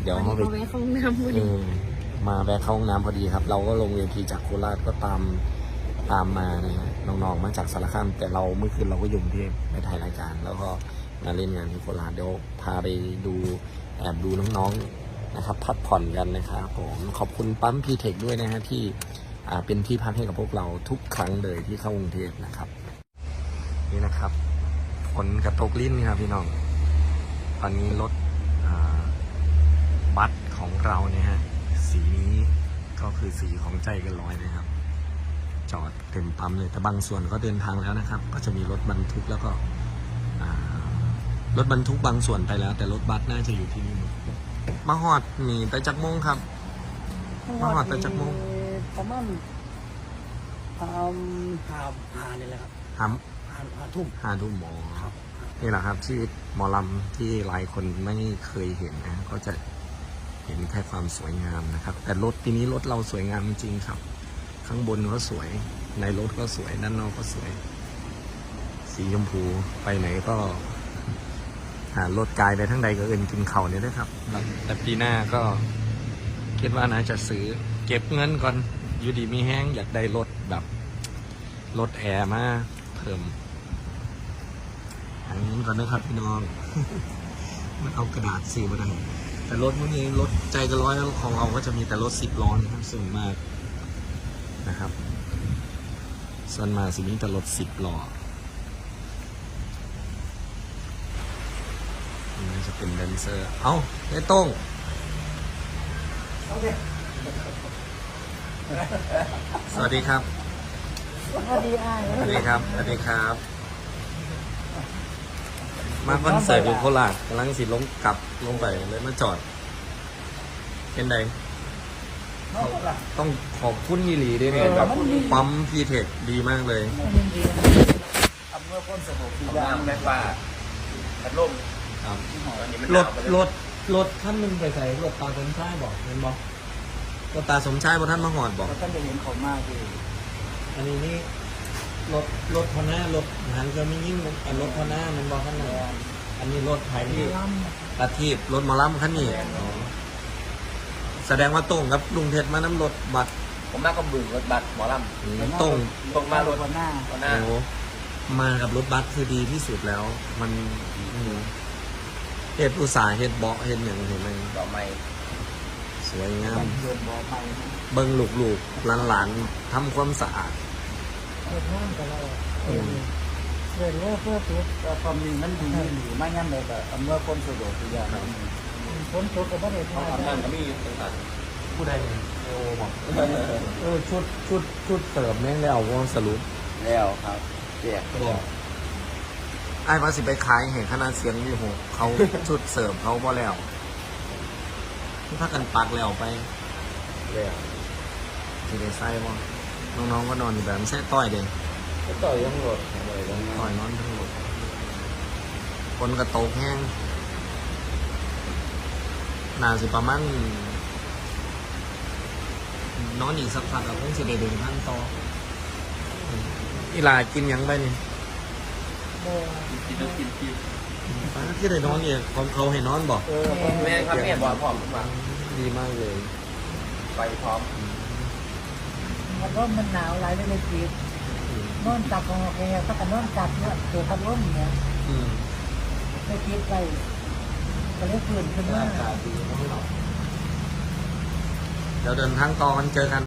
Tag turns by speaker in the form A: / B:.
A: เดี๋ยวเขาไป
B: แวะเข้าห้องน้ำพอดี
A: มาแวะเข้าห้องน้ำพอดีครับ เราก็ลงเวทีจากโคราชก็ตามมานะฮะน้องๆมาจากสารคามแต่เราเมื่อคืนเราก็อยู่กรุงเทพไปถ่ายรายการ แล้วก็มาเล่นงานที่โคราชเดี๋ยวพาไปดูแอบดูน้องๆนะครับพักผ่อนกันนะครับผมขอบคุณปั๊มพีเทคด้วยนะฮะที่เป็นที่พักให้กับพวกเราทุกครั้งเลยที่เข้ากรุงเทพนะครับนี่นะครับฝนกระตกลิ้นครับพี่น้องตอนนี้รถบัสของเราเนี่ยฮะสีนี้ก็คือสีของใจเกันร้อยนะครับจอดเต็มปั๊มเลยแต่บางส่วนก็เดินทางแล้วนะครับก็จะมีรถบรรทุกแล้วก็รถบรรทุกบางส่วนไปแล้วแต่รถบัสน่าจะอยู่ที่นี่หมดมาหอดมีแต่จักโมงครับมาหอดแต่จักโมง
C: ประมาณหาเนี่ยแหละครับ
A: 5 ทุ่มหมอนี่แหละครับชีวิตหมอลำที่หลายคนไม่เคยเห็นนะก็จะเห็นแค่ความสวยงามนะครับแต่รถทีนี้รถเราสวยงามจริงครับข้างบนก็สวยในรถก็สวยด้านนอกก็สวยสีชมพูไปไหนก็รถกายไปทั้งใดก็เอินกินเข่าเนี่ยนะครับแต่ปีหน้าก็คิดว่าน่าจะซื้อเก็บเงินก่อนอยู่ดีมีแห้งอยากได้รถแบบรถแอร์มาเพิ่มอย่างนี้ก่อนนะครับพี่น้อง มันเอากระดาษสีมาได้แต่รถพวกนี้รถใจเกันร้อยของเราก็จะมีแต่รถ10 ล้อนะครับส่วนมากนะครับส่วนมากสิ่งนี้แต่รถ10 ล้อนี่จะเป็นแดนเซอร์เอ้าไอ้โต้งสวัสดีครับ
C: สวัสดีอ้าย
A: สวัสดีครับสวัสดีครับ มาคอนเสิร์ตอยู่โคราชกำลังสิกลับลงไปเลยมาจอดเป็นไงต้องขอบคุณยีหลีด้วยเนี่ยแบบปั๊มพีเทคดีมากเลย
C: อำเภอพ้นสมุทร
D: ของน้ำแม่ฟ้าพัดลม
A: ครับ
D: อันนี้มัน
A: รถท่านนึงไปใส่รถตาสมชายบอกเห็นบอกรถตาสมชายบอกท่านมาหอดบอก
C: ท่านจะเห็นเขามากคือ
A: อันนี้นี่รถพอหน้ารถหันก็ไม่ยิ่งรถพอหน้ามันบอกท่านเลยอันนี้รถไทยที่ตาทีบรถมอลัมคันนี้แสดงว่าตรงกับลุงเพชรมาน้ำรถบัตร
D: ผมมาก็บึงรถบัสหมอลำ
A: ตรง
D: ตรงมารถ
C: หน้า
D: ตอนหน้า
A: โอ้มากับรถบัสคือดีที่สุดแล้ว มันเฮ็ดอุตสาห์เฮ็ดเบาะเฮ็ดอย่างเห็นไหม
D: ดอกไม้
A: สวยงาม
C: เดินบ่อไป
A: เบิ้งลูกๆหลานๆทำความสะอาด
C: เดินห้างกันแล้วเดินเพื่อความมีมันดีหรือไม่งั้นเลยแบบอำเภอพ้นสมุทรทุกอย่างพ้นตัวก็ไม่ได้
D: เขา
C: ทำ
D: ทำนั่นก็มีต่าง
A: ผู้ใดโอ้บอกชุดเสริมแม่งแล้วว่าสรุป
D: ๆแล้วครับแจก
A: บอกไอ้ภาษีไปขายเห็นขนาดเสียงอยู่หกเขาชุดเสริมเขาบ่แล้วถ้ากันปักแล้วไป
D: แล้ว
A: จะได้ไส้บ่น้องๆก็นอนอยู่แบบไม่ใช่ต้อยเด้
D: ก็ต่อยยังรถอะไรกัน
A: ต้อยนอนทั้งหมดคนกระโตกแห้งน่าสิประมาณนอนอีกสักพักก็คงสิได้เดินทางต่ออีหลากินหยังไปนี่
D: กินต้องกินกิน
A: ที่ได้นอนเนี่ยของเขาให้นอนบอก
D: แม่ครับแม่บอกพร้อมมา
A: ดีมากเลย
D: ไปพร้อม
C: มันร่มมันหนาวหลายเลยจีนอนจับของแกถ้ากันนอนจับเนี่ยตัวพัดลมเนี่ย
A: อืม
C: ไม่คิดไปก็เลยฟื้นขึ้นมา
A: เดี๋ยวเดินทางต่อกันเจอกัน